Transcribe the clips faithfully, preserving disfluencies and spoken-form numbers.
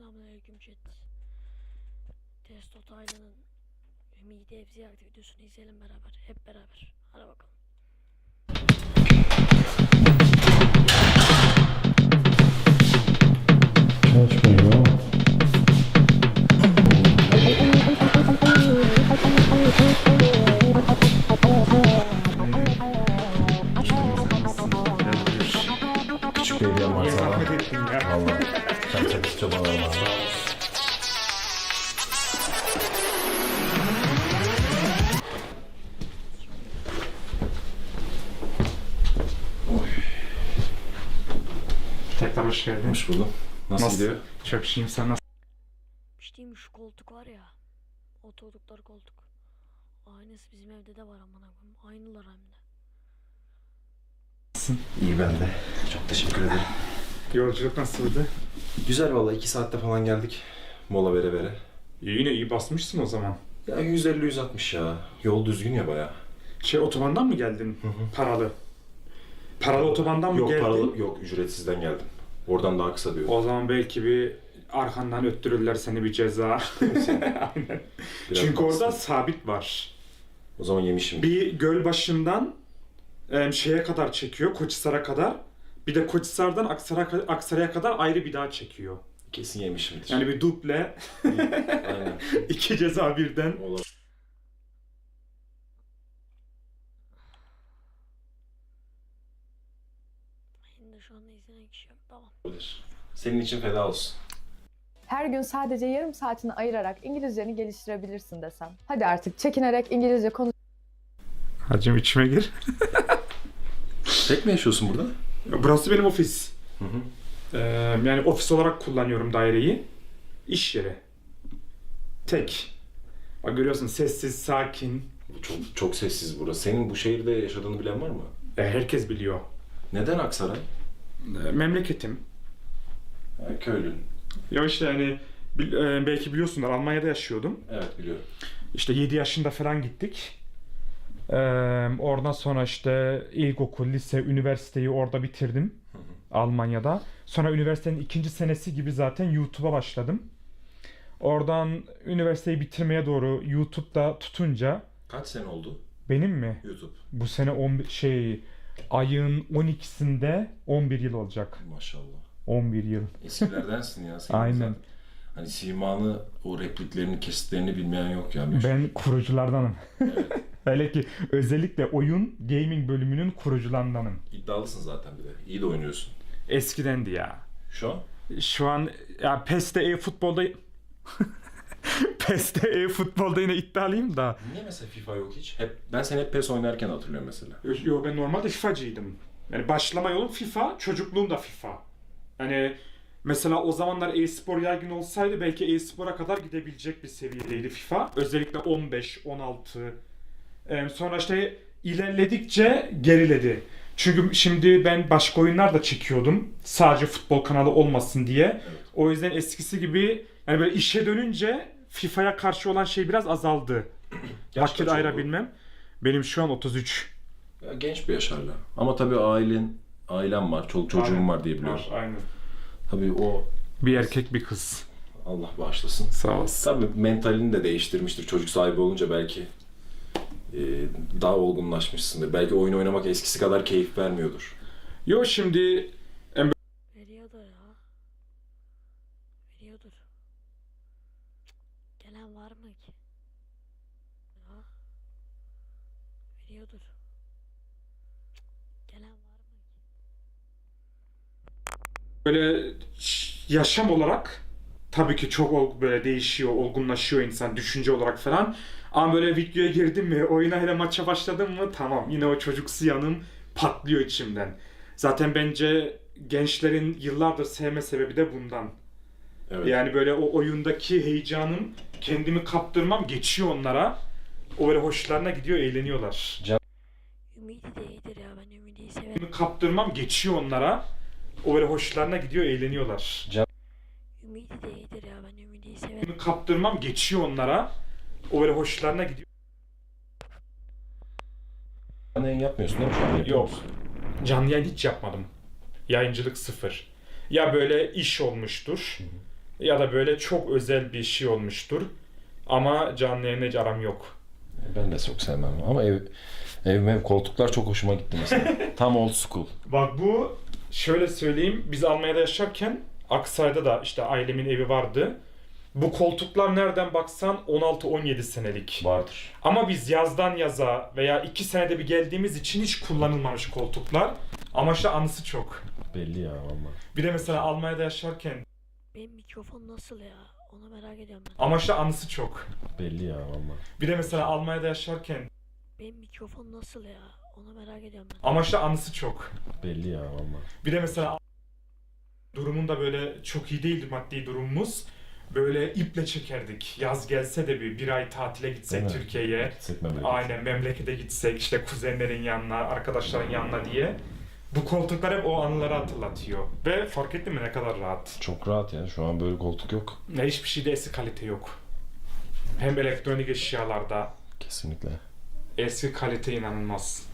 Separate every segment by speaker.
Speaker 1: Selamünaleyküm chat. Testo Taylan'ın Ümidi Ev ziyareti videosunu izleyelim beraber. Hep beraber. Hadi bakalım.
Speaker 2: Açmıyor. Küçük bir hediyem var
Speaker 3: Niye
Speaker 2: sana.
Speaker 3: zahmet ettin ya?
Speaker 2: Valla. Sen sakız çabalar var.
Speaker 3: Tekrar hoş geldin.
Speaker 2: Hoş buldum. Nasıl,
Speaker 3: Nasıl?
Speaker 2: gidiyor?
Speaker 3: Çok şeyim, sen nasıl?
Speaker 1: Bir şey mi, şu koltuk var ya. Oturdukları koltuk. Aynısı bizim evde de var amına koyayım. Aynılar hem de.
Speaker 2: İyi ben de. Çok teşekkür ederim.
Speaker 3: Yolculuk nasıldı?
Speaker 2: Güzel valla. iki saatte falan geldik. Mola vere vere.
Speaker 3: İyi, yine iyi basmışsın o zaman.
Speaker 2: Ya yüz elli yüz altmış ya. Yol düzgün ya baya.
Speaker 3: Şey, otobandan mı geldin?
Speaker 2: Hı hı.
Speaker 3: Paralı. Paralı otobandan mı
Speaker 2: Yok
Speaker 3: geldin?
Speaker 2: paralı, yok ücretsizden geldim. Oradan daha kısa diyor.
Speaker 3: O zaman belki bir arkandan öttürürler seni, bir ceza. Aynen.
Speaker 2: Biraz
Speaker 3: Çünkü orada
Speaker 2: baksın.
Speaker 3: sabit var.
Speaker 2: O zaman yemişim.
Speaker 3: Bir göl başından e, şeye kadar çekiyor, Koçhisar'a kadar. Bir de Koçhisar'dan Aksaray'a Aksaray'a kadar ayrı bir daha çekiyor.
Speaker 2: Kesin yemişimdir.
Speaker 3: Yani bir duble,
Speaker 2: Aynen.
Speaker 3: iki ceza birden.
Speaker 2: Olabilir.
Speaker 1: Şimdi şu anda izlenen kişi yok. Tamam.
Speaker 2: Senin için feda olsun.
Speaker 4: Her gün sadece yarım saatini ayırarak İngilizceni geliştirebilirsin desem. Hadi artık çekinerek İngilizce konuş.
Speaker 3: Hacım içime gir.
Speaker 2: Tek mi yaşıyorsun burada?
Speaker 3: Burası benim ofis.
Speaker 2: Hı hı.
Speaker 3: Ee, yani ofis olarak kullanıyorum daireyi. İş yeri. Tek. Bak görüyorsun, sessiz, sakin.
Speaker 2: Çok çok sessiz burası. Senin bu şehirde yaşadığını bilen var mı?
Speaker 3: Ee, herkes biliyor.
Speaker 2: Neden Aksaray?
Speaker 3: Ee, memleketim.
Speaker 2: Ha, köylün.
Speaker 3: Ya işte yani bil- e, belki biliyorsunlar, Almanya'da yaşıyordum.
Speaker 2: Evet biliyorum.
Speaker 3: İşte yedi yaşında falan gittik. Ee, oradan sonra işte ilkokul, lise, üniversiteyi orada bitirdim.
Speaker 2: Hı hı.
Speaker 3: Almanya'da. Sonra üniversitenin ikinci senesi gibi zaten YouTube'a başladım. Oradan üniversiteyi bitirmeye doğru YouTube'da tutunca
Speaker 2: Kaç sene oldu
Speaker 3: benim mi?
Speaker 2: YouTube?
Speaker 3: Bu sene on bir şey ayın on ikisinde on bir yıl olacak.
Speaker 2: Maşallah.
Speaker 3: on bir yıl.
Speaker 2: Eskilerdensin ya. Senin
Speaker 3: Aynen.
Speaker 2: zaten. Hani simanı, o repliklerini, kesitlerini bilmeyen yok ya. Meşhur.
Speaker 3: Ben kuruculardanım.
Speaker 2: Evet.
Speaker 3: Hele ki özellikle oyun gaming bölümünün kurucularındanım.
Speaker 2: İddialısın zaten bir de. İyi de oynuyorsun.
Speaker 3: Eskidendi ya.
Speaker 2: Şu an?
Speaker 3: Şu an ya PES'te e-futbolda PES'te e-futbolda yine iddialıyım da.
Speaker 2: Niye mesela FIFA yok hiç? Hep ben seni hep PES oynarken hatırlıyorum mesela.
Speaker 3: Yo, ben normalde FIFA'cıydım. Yani başlama yolum FIFA, çocukluğum da FIFA. Yani mesela o zamanlar e-spor yaygın olsaydı belki e-spora kadar gidebilecek bir seviyedeydi FIFA. Özellikle on beş, on altı. Ee, sonra işte ilerledikçe geriledi. Çünkü şimdi ben başka oyunlar da çekiyordum. Sadece futbol kanalı olmasın diye.
Speaker 2: Evet.
Speaker 3: O yüzden eskisi gibi yani böyle işe dönünce FIFA'ya karşı olan şey biraz azaldı.
Speaker 2: Yaş
Speaker 3: Vakit
Speaker 2: kaç oldu?
Speaker 3: ayırabilmem. Benim şu an otuz üç.
Speaker 2: Ya, genç bir yaş hala. Ama tabii ailen, ailem var, çoluk çocuğum
Speaker 3: Aynen.
Speaker 2: var diye biliyorum.
Speaker 3: Var, aynen.
Speaker 2: Tabii o
Speaker 3: Bir erkek bir kız.
Speaker 2: Allah bağışlasın.
Speaker 3: Sağ olasın.
Speaker 2: Tabii mentalini de değiştirmiştir. Çocuk sahibi olunca belki e, daha olgunlaşmışsındır. Belki oyun oynamak eskisi kadar keyif vermiyordur.
Speaker 3: Yo şimdi
Speaker 1: Veriyordur ya. Veriyordur. Cık, gelen var mı ki? Ya. Veriyordur. Cık, gelen var mı ki?
Speaker 3: böyle ş- yaşam olarak tabii ki çok ol- böyle değişiyor, olgunlaşıyor insan düşünce olarak falan. Ama böyle videoya girdim mi, oyuna hele maça başladım mı tamam, yine o çocuksu yanım patlıyor içimden. Zaten bence gençlerin yıllardır sevme sebebi de bundan.
Speaker 2: Evet.
Speaker 3: Yani böyle o oyundaki heyecanım, kendimi kaptırmam geçiyor onlara. O böyle hoşlarına gidiyor, eğleniyorlar.
Speaker 1: Ümidi de iyidir ya, ben Ümidi'yi severim.
Speaker 3: Kendimi kaptırmam geçiyor onlara. O böyle hoşlarına gidiyor, eğleniyorlar.
Speaker 1: Ümidi de iyidir ya, ben Ümidi'yi severim.
Speaker 3: Kendimi kaptırmam geçiyor onlara. O böyle hoşlarına gidiyor.
Speaker 2: Canlı yayın yapmıyorsun değil mi şu an? Yapıyor
Speaker 3: Yok.
Speaker 2: musun?
Speaker 3: Canlı yayın hiç yapmadım. Yayıncılık sıfır. Ya böyle iş olmuştur. Ya da böyle çok özel bir şey olmuştur. Ama canlı yayınla hiç aram yok.
Speaker 2: Ben de çok sevmem ama ev ev mev koltuklar çok hoşuma gitti mesela. Tam old school.
Speaker 3: Bak bu şöyle söyleyeyim. Biz Almanya'da yaşarken Aksaray'da da işte ailemin evi vardı. Bu koltuklar nereden baksan on altı on yedi senelik.
Speaker 2: Vardır.
Speaker 3: Ama biz yazdan yaza veya iki senede bir geldiğimiz için hiç kullanılmamış koltuklar. Ama işte anısı çok.
Speaker 2: Belli ya valla.
Speaker 3: Bir de mesela Almanya'da yaşarken
Speaker 1: Benim mikrofon nasıl ya? Onu merak ediyorum ben.
Speaker 3: ama işte anısı çok.
Speaker 2: Belli ya valla.
Speaker 3: Bir de mesela Almanya'da yaşarken
Speaker 1: Benim mikrofon nasıl ya? Onu merak ediyorum ben.
Speaker 3: ama işte anısı çok.
Speaker 2: Belli ya valla.
Speaker 3: Bir de mesela durumun da böyle çok iyi değildi maddi durumumuz. Böyle iple çekerdik. Yaz gelse de bir, bir ay tatile gitsek
Speaker 2: Değil mi?
Speaker 3: Türkiye'ye.
Speaker 2: Gitsek memleket.
Speaker 3: Aynen memlekete gitsek işte kuzenlerin yanına, arkadaşların yanına diye. Bu koltuklar hep o anıları hatırlatıyor. Ve fark ettin mi ne kadar rahat.
Speaker 2: Çok rahat ya. Şu an böyle koltuk yok.
Speaker 3: Ne hiçbir şeyde eski kalite yok. Hem elektronik eşyalarda
Speaker 2: Kesinlikle.
Speaker 3: eski kalite inanılmaz.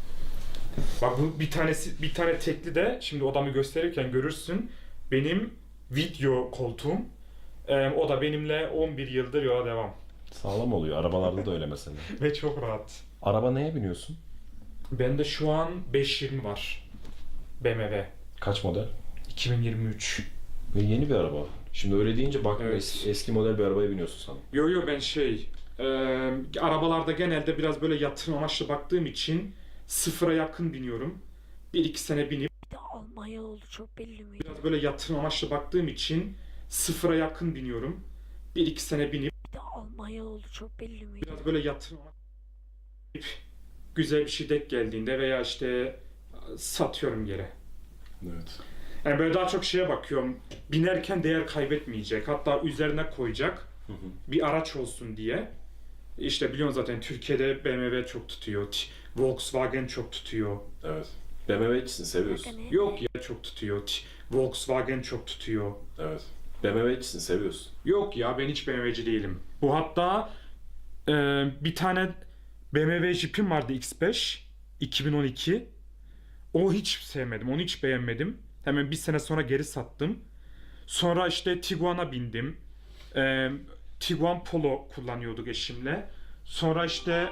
Speaker 3: Bak bu bir tanesi bir tane tekli de şimdi odamı gösterirken görürsün. Benim video koltuğum. Ee, o da benimle on bir yıldır yola devam.
Speaker 2: Sağlam oluyor. Arabalarda da öyle mesela.
Speaker 3: Ve çok rahat.
Speaker 2: Araba neye biniyorsun?
Speaker 3: Bende şu an beş yüz yirmi var. B M W.
Speaker 2: Kaç model?
Speaker 3: iki bin yirmi üç.
Speaker 2: Ve yeni bir araba. Şimdi öyle deyince bak
Speaker 3: Evet.
Speaker 2: eski, eski model bir arabaya biniyorsun sen.
Speaker 3: Yo yo ben şey e, arabalarda genelde biraz böyle yatırım amaçlı baktığım için sıfıra yakın biniyorum. Bir iki sene binip
Speaker 1: Bir de Almanya oldu çok belli miydi?
Speaker 3: biraz böyle yatırım amaçlı baktığım için sıfıra yakın biniyorum. Bir iki sene binip
Speaker 1: Bir de Almanya oldu çok belli miydi?
Speaker 3: biraz böyle yatırım amaçlı binip güzel bir şey denk geldiğinde veya işte satıyorum geri.
Speaker 2: Evet.
Speaker 3: Yani böyle daha çok şeye bakıyorum. Binerken değer kaybetmeyecek. Hatta üzerine koyacak
Speaker 2: Hı hı.
Speaker 3: bir araç olsun diye. İşte biliyorsun zaten Türkiye'de B M W çok tutuyor. T- Volkswagen çok tutuyor.
Speaker 2: Evet. B M W'cisin, seviyorsun.
Speaker 1: Bakın,
Speaker 3: Yok ya çok tutuyor. T- Volkswagen çok tutuyor.
Speaker 2: Evet. B M W'cisin, seviyorsun.
Speaker 3: Yok ya ben hiç B M W'ci değilim. Bu hatta e, bir tane B M W Jeep'im vardı X beş iki bin on iki. O hiç sevmedim. Onu hiç beğenmedim. Hemen bir sene sonra geri sattım. Sonra işte Tiguan'a bindim. Ee, Tiguan Polo kullanıyorduk eşimle. Sonra işte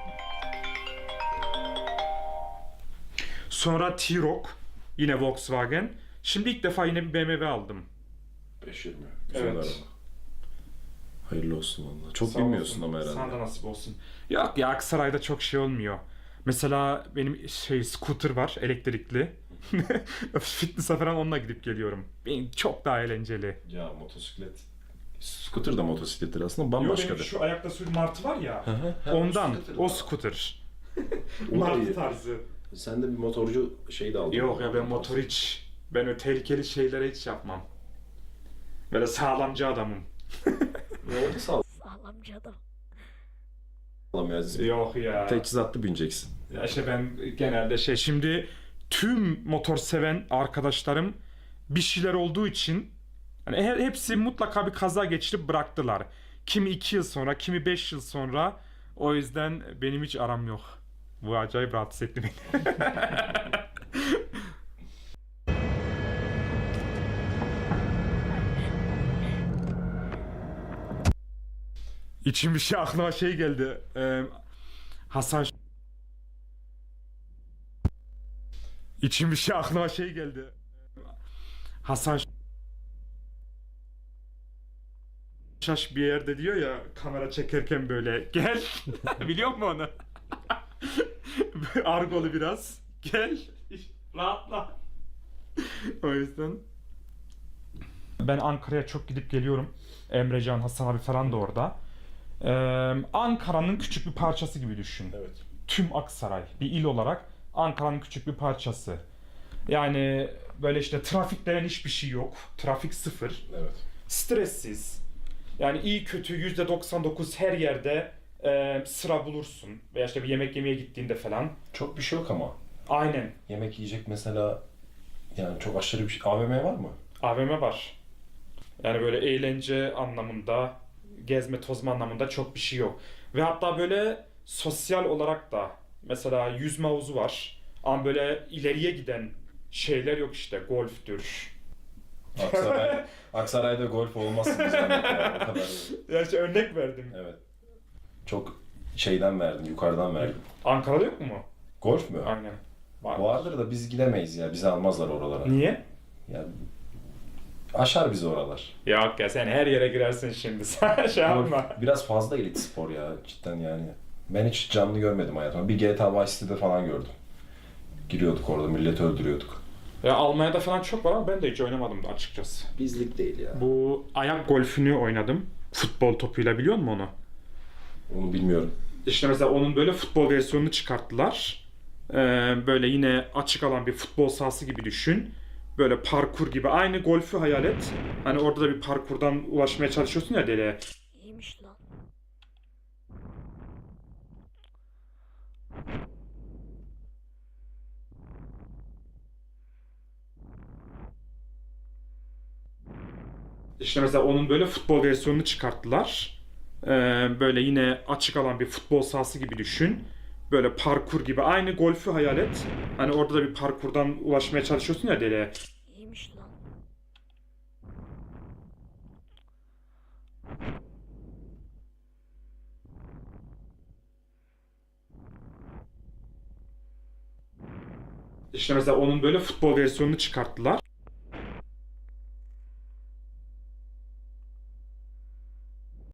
Speaker 3: sonra T-Roc yine Volkswagen. Şimdi ilk defa yine bir B M W aldım.
Speaker 2: beş yirmi. Güzel
Speaker 3: Evet.
Speaker 2: araba. Hayırlı olsun valla. Çok
Speaker 3: Sağ
Speaker 2: bilmiyorsun
Speaker 3: olsun.
Speaker 2: ama herhalde.
Speaker 3: Sana da nasip olsun. Yok ya Aksaray'da çok şey olmuyor. Mesela benim şey scooter var elektrikli. Fitness'a falan onunla gidip geliyorum. Benim çok daha eğlenceli.
Speaker 2: Ya motosiklet. Scooter da motosiklettir aslında
Speaker 3: Yo,
Speaker 2: bambaşka
Speaker 3: benim
Speaker 2: bir.
Speaker 3: şu ayakta sürü martı var ya.
Speaker 2: Hı hı. Ha,
Speaker 3: Ondan
Speaker 2: scooter
Speaker 3: o
Speaker 2: da.
Speaker 3: scooter.
Speaker 2: O da
Speaker 3: Martı
Speaker 2: iyi.
Speaker 3: tarzı.
Speaker 2: Sen de bir motorcu şeyi de aldın.
Speaker 3: Yok ya ben motor hiç. Ben öyle tehlikeli şeylere hiç yapmam. Böyle sağlamcı adamım.
Speaker 2: Ya o da sağlam
Speaker 1: Sağlamcı adam.
Speaker 2: ya.
Speaker 3: Yok ya.
Speaker 2: Teçhizatlı bineceksin.
Speaker 3: Ya işte ben genelde şey şimdi tüm motor seven arkadaşlarım bir şeyler olduğu için hani he- hepsi mutlaka bir kaza geçirip bıraktılar. Kimi iki yıl sonra, kimi beş yıl sonra. O yüzden benim hiç aram yok. Bu acayip rahatsız etti beni. İçim bir şey aklıma şey geldi. Ee, Hasan İçim bir şey aklıma şey geldi. Hasan Şaş bir yerde diyor ya kamera çekerken böyle gel. Biliyor musun onu? Argolu biraz. Gel. Rahatla. O yüzden. Ben Ankara'ya çok gidip geliyorum. Emrecan, Hasan abi falan da orada. Ee, Ankara'nın küçük bir parçası gibi düşün.
Speaker 2: Evet.
Speaker 3: Tüm Aksaray bir il olarak Ankara'nın küçük bir parçası. Yani böyle işte trafik denen hiçbir şey yok. Trafik sıfır.
Speaker 2: Evet.
Speaker 3: Stressiz. Yani iyi kötü yüzde doksan dokuz her yerde e, sıra bulursun. Veya işte bir yemek yemeye gittiğinde falan.
Speaker 2: Çok bir şey yok ama.
Speaker 3: Aynen.
Speaker 2: Yemek yiyecek mesela yani çok aşırı bir şey. A V M var mı?
Speaker 3: A V M var. Yani böyle eğlence anlamında, gezme tozma anlamında çok bir şey yok. Ve hatta böyle sosyal olarak da mesela yüzme havuzu var. Ama böyle ileriye giden şeyler yok işte. Golftür.
Speaker 2: Aksaray, Aksaray'da golf olmazsın bir zahmet ya. O kadar.
Speaker 3: Ya işte örnek verdim.
Speaker 2: Evet. Çok şeyden verdim, yukarıdan verdim.
Speaker 3: Ankara'da yok mu?
Speaker 2: Golf mü?
Speaker 3: Aynen. Var.
Speaker 2: Vardır da biz gidemeyiz ya. Bizi almazlar oralara.
Speaker 3: Niye?
Speaker 2: Ya aşar bizi oralar.
Speaker 3: Yok ya sen her yere girersin şimdi. Sen şey yapma.
Speaker 2: Golf biraz fazla elit spor ya cidden yani. Ben hiç canlı görmedim hayatımda. Bir G T A Vice City'de falan gördüm. Giriyorduk orada, milleti öldürüyorduk.
Speaker 3: Ya Almanya'da falan çok var ama ben de hiç oynamadım da açıkçası.
Speaker 2: Bizlik değil ya.
Speaker 3: Bu ayak golfünü oynadım. Futbol topuyla biliyor musun onu?
Speaker 2: Onu bilmiyorum.
Speaker 3: İşte mesela onun böyle futbol versiyonunu çıkarttılar. Ee, böyle yine açık alan bir futbol sahası gibi düşün. Böyle parkur gibi. Aynı golfü hayal et. Hani orada da bir parkurdan ulaşmaya çalışıyorsun ya deliğe.
Speaker 1: İyiymiş lan.
Speaker 3: İşte mesela onun böyle futbol versiyonunu çıkarttılar. Ee, böyle yine açık alan bir futbol sahası gibi düşün. Böyle parkur gibi. Aynı golfü hayal et. Hani orada da bir parkurdan ulaşmaya çalışıyorsun ya deliğe.
Speaker 1: İyiymiş lan.
Speaker 3: İşte mesela onun böyle futbol versiyonunu çıkarttılar.